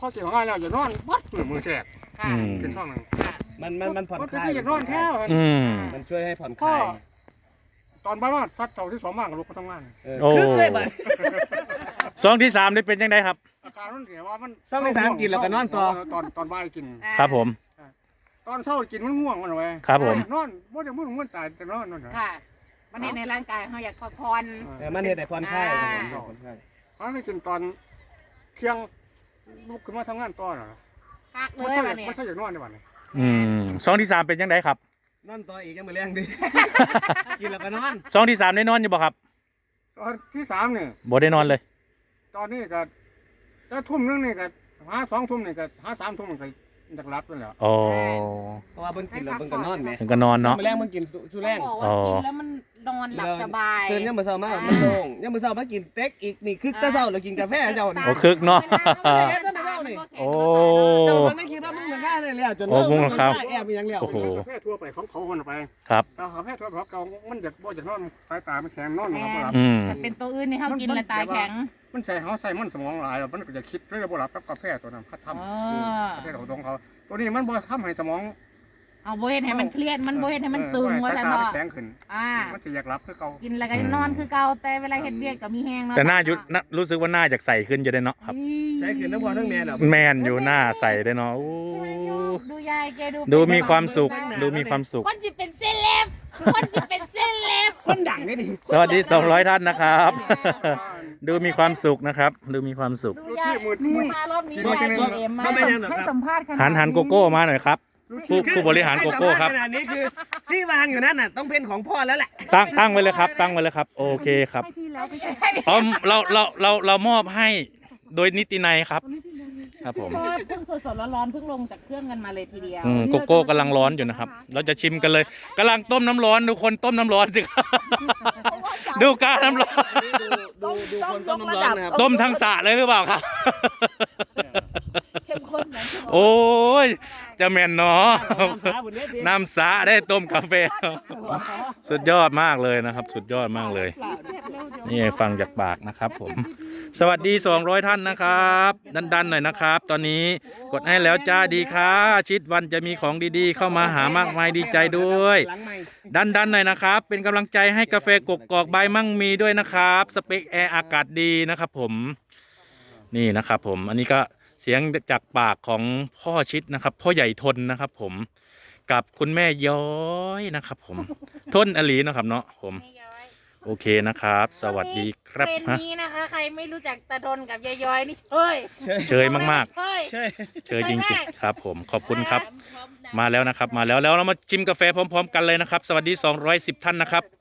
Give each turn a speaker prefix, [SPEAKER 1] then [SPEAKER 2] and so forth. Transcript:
[SPEAKER 1] พอเกี่ยวงานแล้วอย่านอนบัดมือแจกเป็นช่องหนึ่ง
[SPEAKER 2] มันผ่อนคลาย
[SPEAKER 1] อย่านอนแท้
[SPEAKER 2] มันช่วยให้ผ่อนคลาย
[SPEAKER 1] ตอนบ้านว่าซัดเท่าที่2 มากกับลูกก็ต้องงาน
[SPEAKER 3] โอ้
[SPEAKER 2] คึกเลยบัด
[SPEAKER 3] ซองที่3นี่เป็นยังไงครับ
[SPEAKER 1] อาการมันเสียว่ามัน
[SPEAKER 2] ซองที่3กินแล้วก็นอนต่อ
[SPEAKER 1] ตอนบ่ายกิน
[SPEAKER 3] ครับผม
[SPEAKER 1] ตอนเช้ากินมันง่วงมันไว้
[SPEAKER 3] ครับผม
[SPEAKER 1] นอนบ่ได้มึนตายจะนอนนั่น
[SPEAKER 4] ค่ะมันในร่างกายเขาอยากพักผ่อน
[SPEAKER 2] มันเห็นแต่ผ่อนคลาย
[SPEAKER 1] เขาไม่กินตอนเที่ยงลุกขึ้นมาทำงานต่อน่ะ
[SPEAKER 4] พักเล
[SPEAKER 1] ไม่
[SPEAKER 4] ย
[SPEAKER 1] ใช่
[SPEAKER 4] วันนี้
[SPEAKER 1] ไม่ใช่อย่างนอนในวันนี้
[SPEAKER 3] ซองที่3เป็นยังไงครับ
[SPEAKER 2] นอนต่ออีกยังมือแรงดิกินแล้วก็นอน
[SPEAKER 3] ซองที่3ได้นอนอยู่บ่ครับ
[SPEAKER 1] ตอนที่3นี่
[SPEAKER 3] บ่ได้นอนเลย
[SPEAKER 1] ตอนนี้ก็ถ้าทุ่มนึงนี่ก็หา2 ทุ่มนี่ก็หา3 ทุ่มมันก็อยากรับกันแล้ว
[SPEAKER 3] โอ้
[SPEAKER 2] เพราะว่าเพิ่นกินแล้วเพิ่นก็นอนแหม
[SPEAKER 3] ถึงก็นอนเนาะ
[SPEAKER 2] มือแรงเพิ่นกินชูแรง
[SPEAKER 4] บอกว่ากินแล้วมันนอนหลับสบาย
[SPEAKER 2] ตื่นยังมื้อเช้ามามันโล่งยังมื้อเช้ามากินเต็กอีกนี่คึกแต่เช้าแล้วกินกาแฟเจ้านี่
[SPEAKER 3] โอ้คึกเนาะ โอ้
[SPEAKER 2] แต่มันไม่คิดว่ามึงเหมือนกันเลยแล้วจน
[SPEAKER 3] โอ้มึงเหรอครับ
[SPEAKER 2] แอบยังแล้ว
[SPEAKER 3] โอ้โห
[SPEAKER 1] กาแฟทั่วไปของเขาคนไป
[SPEAKER 3] ครับ
[SPEAKER 1] แต่กาแฟทั่วไปของเขามันอยากบ่อยากนอนสายตามันแข็งนอนมันบ่หลับ
[SPEAKER 4] มันเป็นตัวอื่นที่เขากินแล้วตายแข็ง
[SPEAKER 1] มันใส่เขาใส่มันสมองหลายมันก็จะคิดเรื่องบ่หลับกับกาแฟตัวนั้นพัดทำกาแฟของเขาตัวนี้มันบ่ทำให้สมอง
[SPEAKER 4] เอาโบเฮ็ดให้มันเครียดมันโบเฮ็ดให้มันตึงว่าซั่น
[SPEAKER 1] สายตา
[SPEAKER 4] เนาะ
[SPEAKER 1] แข็งขึ้น มันจะอยากรับคือเขา
[SPEAKER 4] กินแล้วก็นอนคือเก่าแต่เวลาเฮ็ดเวียกก็มีแห้งเนาะ
[SPEAKER 3] แต่หน้ายุรู้สึกว่าหน้าจากใสขึ้นจะได้เนาะครับ
[SPEAKER 2] ใช้ขืนทั้งพ่อทั้งแม่แล้ว
[SPEAKER 3] แมนอยู่หน้าใสได้เนาะโอ้
[SPEAKER 4] ดูยายแก
[SPEAKER 3] ดูมีความสุข ดูมีความสุข
[SPEAKER 4] คนสิเป็นเซเลบคนสิเป็นเซเลบ
[SPEAKER 2] คนดังนี่ดิ
[SPEAKER 3] สวัสดี200ท่านนะครับ ดูมีความสุขนะครับ ดูมีความสุข
[SPEAKER 4] ดูยายมารอบนี้ยายเอ็มมาให้สัมภาษณ์
[SPEAKER 3] หันโกโก้มาหน่อยครับผู้บริหารโกโก้ครับ
[SPEAKER 2] ขนาดนี้คือที่วางอยู่นั่นน่ะต้องเป็นของพ่อแล้วแหละ
[SPEAKER 3] ตั้งไว้เลยครับ ตั้งไว้เลยครับ โอเคครับ
[SPEAKER 4] ให้พี่แล้วไม่ใช่
[SPEAKER 3] อ๋อเรามอบให้โดยนิตินัยครับ ครับผม
[SPEAKER 4] เพราะว่าเพิ่งสดๆร้อนๆเพิ่งลงจากเครื่องกันมาเลยทีเดียว
[SPEAKER 3] โกโก้กำลังร้อนอยู่นะครับ เราจะชิมกันเลยกำลังต้มน้ำร้อนดูคนต้มน้ำร้อนสิครับ ดูการน้ำร้อน
[SPEAKER 2] ดูคนต้มน้ำร้อนนะครับ
[SPEAKER 3] ต้มทั้งสระเลยหรือเปล่าครับ
[SPEAKER 4] เข้มข้นนะ
[SPEAKER 3] โอ้ยจะแม่นเนาะน้ำสระได้ต้มกาแฟสุดยอดมากเลยนะครับ สุดยอดมากเลย นี่ฟังจากปากนะครับผม สวัสดี200ท่านนะครับดันๆหน่อยนะครับ ตอนนี้กดให้แล้วจ้าดีค่ะชิดวันจะมีของดีๆ เข้ามาหามากมายดีใจด้วยดันหน่อยนะครับเป็นกำลังใจให้กาแฟกกอกใบมั่งมีด้วยนะครับสเปคแอร์อากาศดีนะครับผมนี่นะครับผมอันนี้ก็เสียงจากปากของพ่อชิดนะครับพ่อใหญ่ทนนะครับผมกับคุณแม่ย้อยนะครับผมทนอลีนะครับเนาะผมโอเคนะครับสวัสดีครับ
[SPEAKER 4] เป็น
[SPEAKER 3] ฮะ
[SPEAKER 4] นี้นะคะใครไม่รู้จักตาดนกับยายย้อยนี่เฮ้ย
[SPEAKER 3] เชยมาก
[SPEAKER 4] เฮ้ย
[SPEAKER 3] ๆเชยจริงๆครับผมขอบคุณครับมาแล้วนะครับมาแล้วเรามาชิมกาแฟพร้อมๆกันเลยนะครับสวัสดี210ท่านนะครับ